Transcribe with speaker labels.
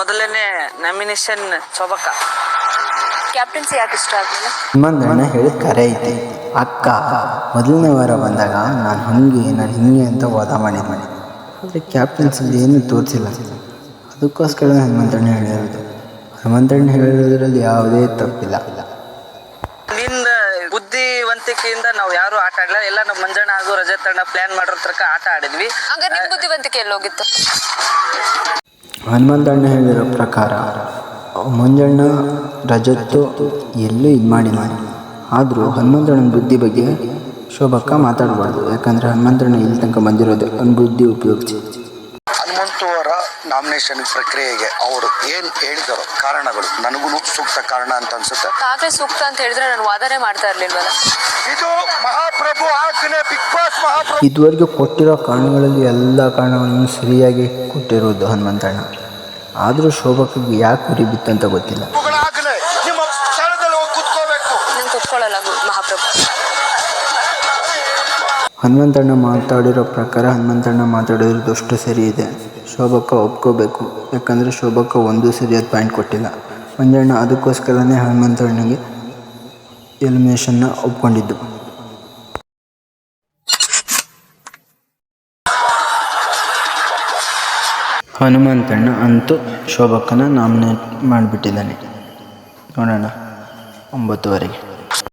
Speaker 1: ಮೊದಲನೇ nomination ಶೋಭಕ್ಕ.
Speaker 2: Captaincy ಯಾಕೆ ಇಷ್ಟ ಆಗಲಿಲ್ಲ?
Speaker 3: ಹನುಮಂತಣ್ಣ ಹೇಳಿದ ಕರೆ ಐತಿ. ಅಕ್ಕ ಮೊದಲನೇ ವಾರ ಬಂದಾಗ ನಾನು ಹಿಂಗೆ ಅಂತ ವಾದ ಮಾಡಿದ್ದೆ. ಆದರೆ ಕ್ಯಾಪ್ಟನ್ಸಿಲಿ ಏನೂ ತೋರಿಸಿಲ್ಲ. ಅದಕ್ಕೋಸ್ಕರ ಹನುಮಂತಣ್ಣ ಹೇಳಿರೋದು. ಹನುಮಂತಣ್ಣ ಹೇಳಿರೋದ್ರಲ್ಲಿ ಯಾವುದೇ ತಪ್ಪಿಲ್ಲ.
Speaker 1: ನಿಂದ ಬುದ್ಧಿವಂತಿಕೆಯಿಂದ ನಾವು ಯಾರು ಆಟ ಆಡಲ್ಲ. ಎಲ್ಲ ನಮ್ಮ ಮಂಜಣ್ಣ ಹಾಗೂ ರಜತ್ ಅಣ್ಣ ಪ್ಲಾನ್ ಮಾಡಿರೋ ತನಕ ಆಟ ಆಡಿದ್ವಿ.
Speaker 2: ಹಂಗ ನಿಮ್ ಬುದ್ಧಿವಂತಿಕೆ ಎಲ್ಲೋಗಿತ್ತು?
Speaker 3: ಹನುಮಂತಣ್ಣ ಹೇಳಿರೋ ಪ್ರಕಾರ ಮಂಜಣ್ಣ ರಜತ್ತು ಎಲ್ಲೂ ಇದು ಮಾಡಿಲ್ಲ. ಆದರೂ ಹನುಮಂತಣ್ಣನ ಬುದ್ಧಿ ಬಗ್ಗೆ ಶೋಭಕ್ಕ ಮಾತಾಡಬಾರ್ದು. ಯಾಕಂದರೆ ಹನುಮಂತಣ್ಣ ಇಲ್ಲಿ ತನಕ ಬಂದಿರೋದು ಅವ್ನ ಬುದ್ಧಿ ಉಪಯೋಗಿಸಿ.
Speaker 4: ಹನುಮಂತು ಅವರ ನಾಮಿನೇಷನ್ ಪ್ರಕ್ರಿಯೆಗೆ ಅವರು ಏನು ಹೇಳಿದಾರೋ ಕಾರಣಗಳು ನನಗೂ ಸೂಕ್ತ ಕಾರಣ ಅಂತ ಅನ್ಸುತ್ತೆ.
Speaker 2: ಕಾಗೆ ಸೂಕ್ತ ಅಂತ ಹೇಳಿದ್ರೆ ನಾನು ವಾದನೆ ಮಾಡ್ತಾ ಇರ್ಲಿಲ್ವಲ್ಲ.
Speaker 4: ಇದು ಮಹಾಪ್ರಭು ಆಜ್ಞೆ, ಬಿಗ್ ಬಾಸ್ ಮಹಾಪ್ರಭು.
Speaker 3: ಇದುವರೆಗೂ ಕೊಟ್ಟಿರೋ ಕಾರಣಗಳಲ್ಲಿ ಎಲ್ಲ ಕಾರಣಗಳನ್ನು ಸರಿಯಾಗಿ ಕೊಟ್ಟಿರೋದು ಹನುಮಂತಣ್ಣ. ಆದರೂ ಶೋಭಕ್ಕಿಗೆ ಯಾಕೆ ಉರಿ ಬಿತ್ತಂತ ಗೊತ್ತಿಲ್ಲ.
Speaker 4: ನಿಮ್ಮ ಸ್ಥಳದಲ್ಲಿ ಹೋಗಿ ಕುತ್ಕೋಬೇಕು.
Speaker 2: ನಾನು ಕುತ್ಕೊಳ್ಳಲ್ಲ ಮಹಾಪ್ರಭು.
Speaker 3: ಹನುಮಂತಣ್ಣ ಮಾತಾಡಿರೋ ಪ್ರಕಾರ ಹನುಮಂತಣ್ಣ ಮಾತಾಡಿರೋದಷ್ಟು ಸರಿ ಇದೆ. ಶೋಭಕ್ಕ ಒಪ್ಕೋಬೇಕು. ಯಾಕಂದರೆ ಶೋಭಕ್ಕ ಒಂದೂ ಸರಿಯಾದ ಪಾಯಿಂಟ್ ಕೊಟ್ಟಿಲ್ಲ. ಮಂಜಣ್ಣ ಅದಕ್ಕೋಸ್ಕರನೇ ಹನುಮಂತಣ್ಣಗೆ ಎಲಿಮಿನೇಷನ್ನ ಒಪ್ಕೊಂಡಿದ್ದು. ಹನುಮಂತಣ್ಣ ಅಂತೂ ಶೋಭಕ್ಕನ ನಾಮಿನೇಟ್ ಮಾಡಿಬಿಟ್ಟಿದ್ದಾನೆ. ನೋಡೋಣ 9:30